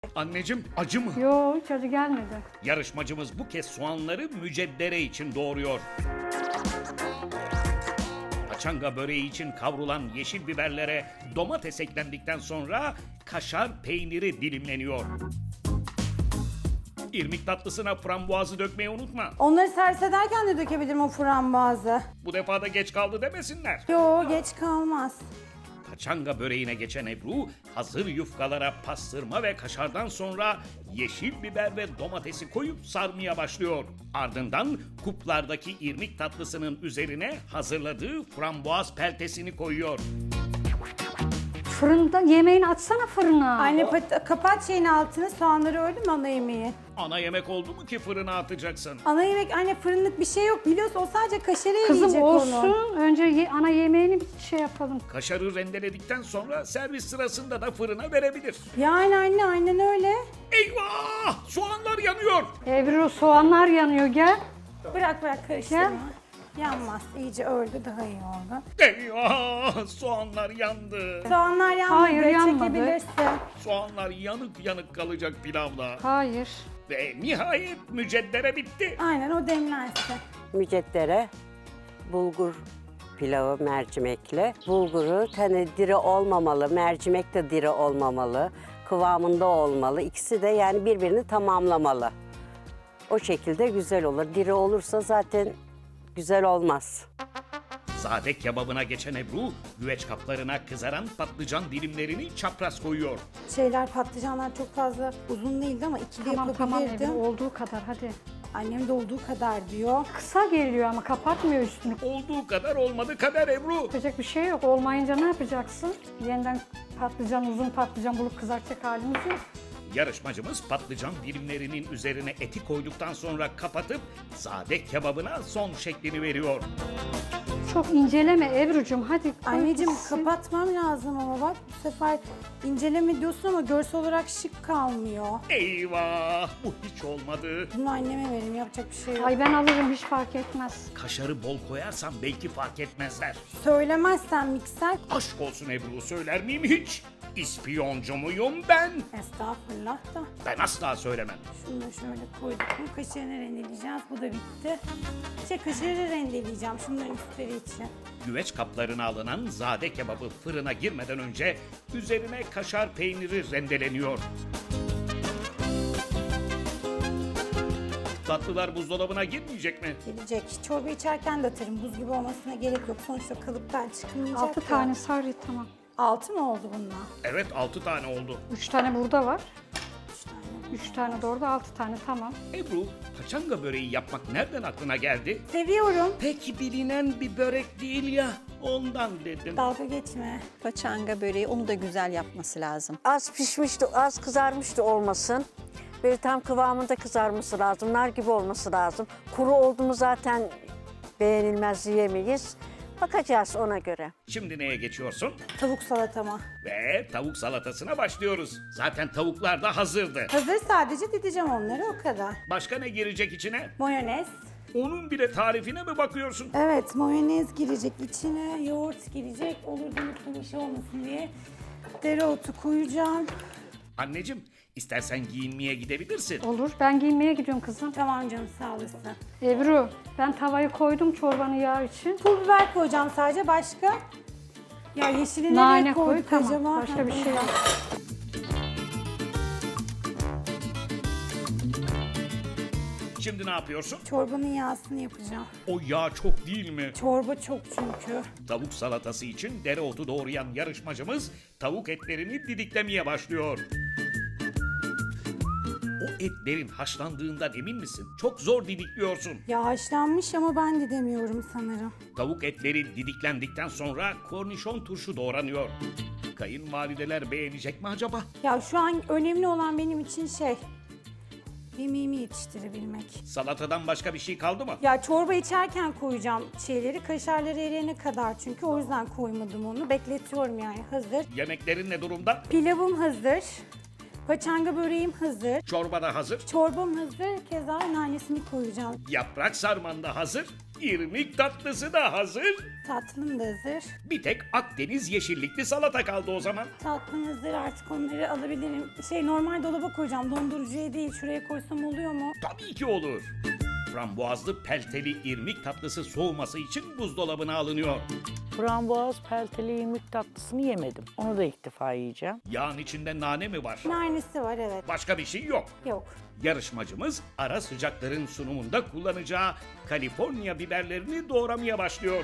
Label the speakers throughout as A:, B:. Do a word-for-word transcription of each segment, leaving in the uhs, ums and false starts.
A: Anneciğim acı mı?
B: Yo, hiç acı gelmedi.
A: Yarışmacımız bu kez soğanları müceddere için doğruyor. Paçanga böreği için kavrulan yeşil biberlere domates eklendikten sonra kaşar peyniri dilimleniyor. İrmik tatlısına frambuazı dökmeyi unutma.
C: Onları servis ederken de dökebilirim o frambuazı.
A: Bu defa da geç kaldı demesinler.
C: Yo, geç kalmaz.
A: Paçanga böreğine geçen Ebru, hazır yufkalara pastırma ve kaşardan sonra yeşil biber ve domatesi koyup sarmaya başlıyor. Ardından kuplardaki irmik tatlısının üzerine hazırladığı frambuaz peltesini koyuyor.
B: Fırında yemeğini açsana fırına.
C: Anne pat- kapat şeyin altını, soğanları öyle mi ana yemeği?
A: Ana yemek oldu mu ki fırına atacaksın?
C: Ana yemek anne, fırınlık bir şey yok biliyorsun, o sadece kaşarı
B: Kızım
C: eriyecek
B: olsun.
C: onu.
B: Önce ye- ana yemeğini bir şey yapalım.
A: Kaşarı rendeledikten sonra servis sırasında da fırına verebilir.
C: Yani anne, aynen öyle.
A: Eyvah! Soğanlar yanıyor!
B: Ebru, soğanlar yanıyor, gel.
C: Bırak bırak karıştırma. Yanmaz, iyice öldü, daha iyi oldu.
A: Eyvah! Soğanlar yandı.
C: Soğanlar yanmadı,
B: Hayır, yanmadı.
C: çekebilirsin.
A: Soğanlar yanık yanık kalacak pilavla.
B: Hayır.
A: Ve nihayet müceddere bitti.
C: Aynen, o demlensin.
D: Müceddere, bulgur pilavı mercimekle. Bulguru hani diri olmamalı, mercimek de diri olmamalı, kıvamında olmalı. İkisi de yani birbirini tamamlamalı. O şekilde güzel olur. Diri olursa zaten güzel olmaz.
A: Sade kebabına geçen Ebru, güveç kaplarına kızaran patlıcan dilimlerini çapraz koyuyor.
C: Şeyler, patlıcanlar çok fazla uzun değildi ama ikili
B: Tamam tamam
C: yapabilirdim.
B: Ebru, olduğu kadar hadi.
C: Annem de olduğu kadar diyor.
B: Kısa geliyor ama kapatmıyor üstünü.
A: Olduğu kadar olmadı kader Ebru.
B: Yapacak bir şey yok. Olmayınca ne yapacaksın? Yeniden patlıcan, uzun patlıcan bulup kızartacak halimiz yok.
A: Yarışmacımız patlıcan dilimlerinin üzerine eti koyduktan sonra kapatıp sade kebabına son şeklini veriyor.
B: Çok inceleme Ebru'cum, hadi koy
C: Anneciğim
B: gitsin.
C: kapatmam lazım ama bak bu sefer inceleme diyorsun ama görsel olarak şık kalmıyor.
A: Eyvah! Bu hiç olmadı.
C: Bunu anneme verin, yapacak bir şey yok.
B: Ay ben alırım, hiç fark etmez.
A: Kaşarı bol koyarsan belki fark etmezler.
C: Söylemezsen mikser.
A: Aşk olsun Ebru, söyler miyim hiç? İspiyoncu muyum ben?
C: Estağfurullah da.
A: Ben asla söylemem.
C: Şunu da şöyle koyduk mu kaşarını rendeleyeceğiz. Bu da bitti. İşte kaşarı rendeleyeceğim şunların üstleri için.
A: Güveç kaplarına alınan zade kebabı fırına girmeden önce üzerine kaşar peyniri rendeleniyor. Tatlılar buzdolabına girmeyecek mi?
C: Gelecek. Çorba içerken de atarım. Buz gibi olmasına gerek yok. Sonuçta kalıptan çıkmayacak.
B: Altı
C: ya.
B: tane sarı, tamam.
C: Altı mı oldu bunlar?
A: Evet, altı tane oldu.
B: Üç tane burada var.
C: Üç tane.
B: Üç tane de orada, altı tane, tamam.
A: Ebru, paçanga böreği yapmak nereden aklına geldi?
C: Seviyorum.
A: Pek bilinen bir börek değil ya, ondan dedim.
C: Dalga geçme.
E: Paçanga böreği onu da güzel yapması lazım.
D: Az pişmişti, az kızarmıştı olmasın. Böyle tam kıvamında kızarması lazım, nar gibi olması lazım. Kuru oldu mu zaten beğenilmez, yiyemeyiz. Bakacağız ona göre.
A: Şimdi neye geçiyorsun?
C: Tavuk salatama.
A: Ve tavuk salatasına başlıyoruz. Zaten tavuklar da hazırdı.
C: Hazır, sadece dideceğim onları, o kadar.
A: Başka ne girecek içine?
C: Mayonez.
A: Onun bile tarifine mi bakıyorsun?
C: Evet, mayonez girecek içine, yoğurt girecek. Olur da unuttum bir şey olmasın diye. Dereotu koyacağım.
A: Anneciğim, istersen giyinmeye gidebilirsin.
B: Olur, ben giyinmeye gidiyorum kızım.
C: Tamam canım, sağ olasın.
B: Ebru, ben tavayı koydum çorbanın yağı için.
C: Pul biber koyacağım sadece, başka? Ya yeşili
B: Nane
C: nereye
B: koy,
C: koyduk
B: tamam.
C: acaba?
B: Başka bir şey yok.
A: Şimdi ne yapıyorsun?
C: Çorbanın yağsını yapacağım.
A: O yağ çok değil mi?
C: Çorba çok çünkü.
A: Tavuk salatası için dereotu doğrayan yarışmacımız tavuk etlerini didiklemeye başlıyor. O etlerin haşlandığından emin misin? Çok zor didikliyorsun.
C: Ya haşlanmış ama ben de demiyorum sanırım.
A: Tavuk etleri didiklendikten sonra kornişon turşu doğranıyor. Kayınvalideler beğenecek mi acaba?
C: Ya şu an önemli olan benim için şey, yemeğimi yetiştirebilmek.
A: Salatadan başka bir şey kaldı mı?
C: Ya çorba içerken koyacağım şeyleri, kaşarları eriyene kadar çünkü o yüzden koymadım onu. Bekletiyorum yani, hazır.
A: Yemeklerin ne durumda?
C: Pilavım hazır. Paçanga böreğim hazır.
A: Çorba da hazır.
C: Çorbam hazır. Keza nanesini koyacağım.
A: Yaprak sarman da hazır. İrmik tatlısı da hazır.
C: Tatlım da hazır.
A: Bir tek Akdeniz yeşillikli salata kaldı o zaman.
C: Tatlım hazır, artık onları alabilirim. Şey, normal dolaba koyacağım, dondurucuya değil. Şuraya koysam oluyor mu?
A: Tabii ki olur. Frambuazlı pelteli irmik tatlısı soğuması için buzdolabına alınıyor.
F: Frambuaz pelteli irmik tatlısını yemedim. Onu da ilk defa yiyeceğim.
A: Yağın içinde nane mi var?
C: Nanesi var, evet.
A: Başka bir şey yok.
C: Yok.
A: Yarışmacımız ara sıcakların sunumunda kullanacağı Kaliforniya biberlerini doğramaya başlıyor.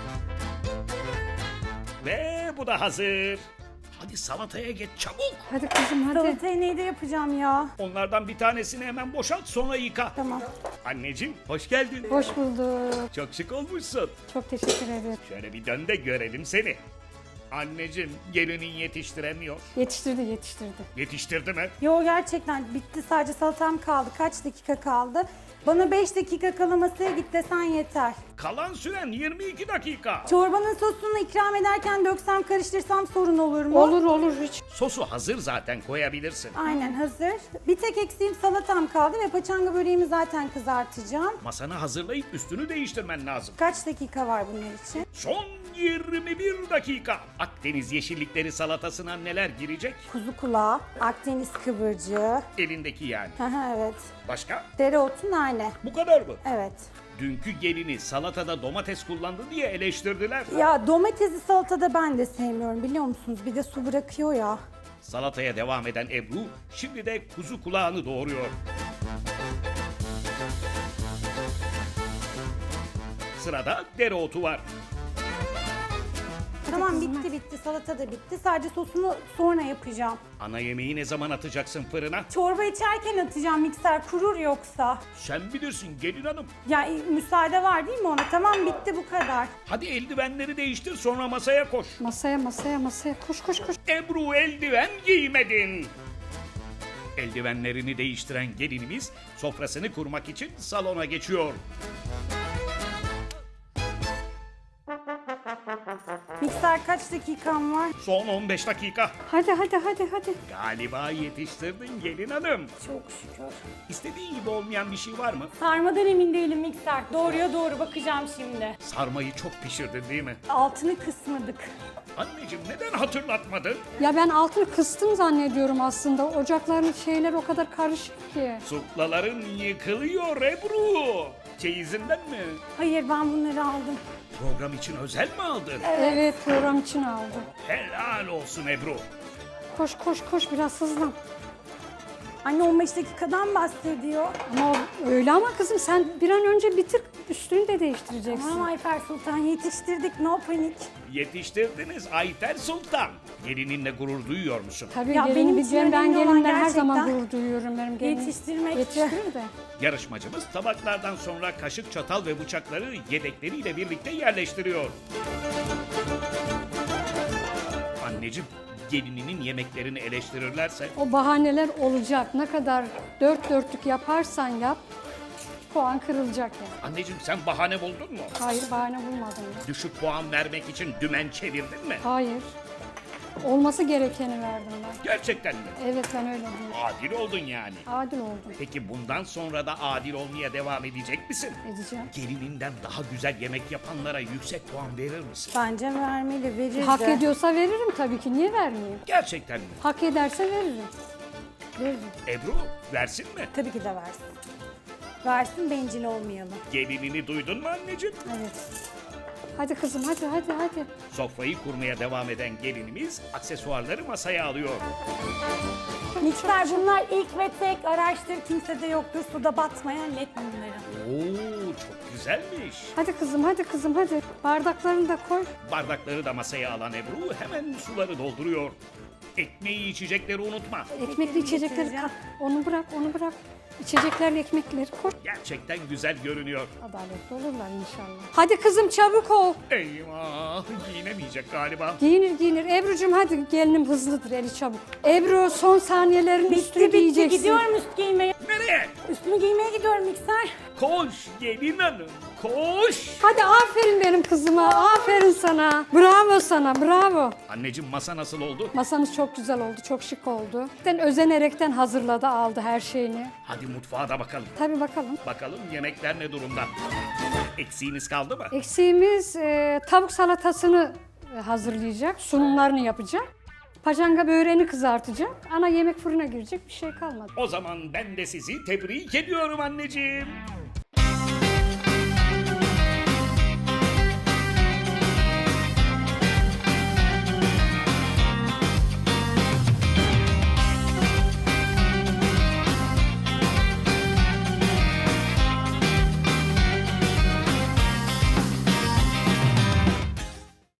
A: Ve bu da hazır. Hadi salataya geç çabuk.
B: Hadi kızım hadi.
C: Salatayı neyde yapacağım ya?
A: Onlardan bir tanesini hemen boşalt sonra yıka.
C: Tamam.
A: Anneciğim hoş geldin.
B: Hoş bulduk.
A: Çok şık olmuşsun.
B: Çok teşekkür ederim.
A: Şöyle bir dön de görelim seni. Anneciğim gelinin yetiştiremiyor.
B: Yetiştirdi yetiştirdi.
A: Yetiştirdi mi?
C: Yo, gerçekten bitti, sadece salatam kaldı. Kaç dakika kaldı? Bana beş dakika kala masaya git desen yeter.
A: Kalan süren yirmi iki dakika.
C: Çorbanın sosunu ikram ederken döksem, karıştırsam sorun olur mu?
B: Olur olur hiç.
A: Sosu hazır zaten koyabilirsin.
C: Aynen hazır. Bir tek eksiğim salatam kaldı ve paçanga böreğimi zaten kızartacağım.
A: Masanı hazırlayıp üstünü değiştirmen lazım.
C: Kaç dakika var bunun için?
A: Son yirmi bir dakika. Akdeniz yeşillikleri salatasına neler girecek?
C: Kuzu kulağı, Akdeniz kıvırcığı.
A: Elindeki yani.
C: Aha, evet.
A: Başka?
C: Dereotu, nane.
A: Bu kadar mı?
C: Evet.
A: Dünkü gelini salatada domates kullandı diye eleştirdiler.
C: Ya domatesi salatada ben de sevmiyorum, biliyor musunuz? Bir de su bırakıyor ya.
A: Salataya devam eden Ebru şimdi de kuzu kulağını doğuruyor. Sırada dereotu var.
C: Tamam, bitti bitti. Salata da bitti. Sadece sosunu sonra yapacağım.
A: Ana yemeği ne zaman atacaksın fırına?
C: Çorba içerken atacağım, mikser kurur yoksa.
A: Sen bilirsin gelin hanım.
C: Ya e, müsaade var değil mi ona? Tamam, bitti, bu kadar.
A: Hadi eldivenleri değiştir sonra masaya koş.
B: Masaya masaya masaya koş koş koş.
A: Ebru eldiven giymedin. Eldivenlerini değiştiren gelinimiz sofrasını kurmak için salona geçiyor.
C: Mikser, kaç dakikam var?
A: Son on beş dakika.
B: Hadi hadi hadi hadi.
A: Galiba yetiştirdin gelin hanım.
C: Çok şükür.
A: İstediğin gibi olmayan bir şey var mı?
C: Sarmadan emin değilim mikser. Doğruya doğru bakacağım şimdi.
A: Sarmayı çok pişirdin değil mi?
C: Altını kısmadık.
A: Anneciğim neden hatırlatmadın?
B: Ya ben altını kıstım zannediyorum aslında. Ocakların şeyler o kadar karışık ki.
A: Suklaların yıkılıyor Ebru. Çeyizinden mi?
C: Hayır, ben bunları aldım.
A: Program için özel mi aldın?
B: Evet program için aldım.
A: Helal olsun Ebru.
B: Koş koş koş biraz hızlan.
C: Anne on beş dakikadan bahsediyor.
B: Ama o- öyle ama kızım sen bir an önce bitir üstünü de değiştireceksin.
C: Tamam Ayfer Sultan, yetiştirdik, no panik.
A: Yetiştirdiniz Ayfer Sultan. Gelininle gurur duyuyor musun?
B: Tabii
C: Ya
B: gelin
C: benim
B: bir
C: için
B: ben
C: önemli olan
B: gelinle her zaman
C: gerçekten
B: gurur duyuyorum benim gelinim.
C: yetiştirmekti.
B: Yetiştirir de.
A: Yarışmacımız tabaklardan sonra kaşık, çatal ve bıçakları yedekleriyle birlikte yerleştiriyor. Anneciğim, gelininin yemeklerini eleştirirlerse
B: O bahaneler olacak. Ne kadar dört dörtlük yaparsan yap puan kırılacak yani.
A: anneciğim sen bahane buldun mu?
B: Hayır bahane bulmadım ya.
A: Düşük puan vermek için dümen çevirdin mi?
B: Hayır. Olması gerekeni verdim ben.
A: Gerçekten mi?
B: Evet ben öyle diyorum.
A: Adil oldun yani.
B: Adil oldum.
A: Peki bundan sonra da adil olmaya devam edecek misin?
B: Edeceğim.
A: Gelininden daha güzel yemek yapanlara yüksek puan verir misin?
C: Bence vermeli, verir
B: Hak
C: de.
B: ediyorsa veririm tabii ki. Niye vermeyeyim?
A: Gerçekten mi?
B: Hak ederse veririm. Veririm.
A: Ebru versin mi?
C: Tabii ki de versin. Versin, bencil olmayalım.
A: Gelinini duydun mu anneciğim?
B: Evet. Hadi kızım hadi hadi hadi.
A: Sofrayı kurmaya devam eden gelinimiz aksesuarları masaya alıyor.
C: Mikser, bunlar ilk ve tek, araştır, kimsede yoktur. Suda batmayan led bunları.
A: Oo çok güzelmiş.
B: Hadi kızım hadi kızım hadi. Bardaklarını da koy.
A: Bardakları da masaya alan Ebru hemen suları dolduruyor. Ekmeği içecekleri unutma.
B: Ekmekli içecekleri
C: getireceğim.
B: kat. Onu bırak onu bırak. İçeceklerle ekmekleri koy.
A: Gerçekten güzel görünüyor.
B: Adaletli olurlar inşallah. Hadi kızım çabuk ol.
A: Eyvah giyinemeyecek galiba.
B: Giyinir giyinir. Ebru'cum hadi gelinim hızlıdır eli çabuk. Ebru son saniyelerin üstünü
C: Bitti bitti,
B: giyeceksin.
C: gidiyorum üst giymeye.
A: Nereye?
C: Üstümü giymeye gidiyorum mikser.
A: Koş gelin hanım koş.
B: Hadi aferin benim kızıma. Aferin sana. Bravo sana bravo.
A: Anneciğim masa nasıl oldu?
B: Masamız çok güzel oldu. Çok şık oldu. Ben özenerekten hazırladı aldı her şeyini.
A: Hadi mutfağa da bakalım.
B: Tabii bakalım.
A: Bakalım yemekler ne durumda? Eksiğiniz kaldı mı?
B: Eksiğimiz e, tavuk salatasını e, hazırlayacak, sunumlarını yapacak. Paçanga böreğini kızartacak. Ana yemek fırına girecek, bir şey kalmadı.
A: O zaman ben de sizi tebrik ediyorum anneciğim.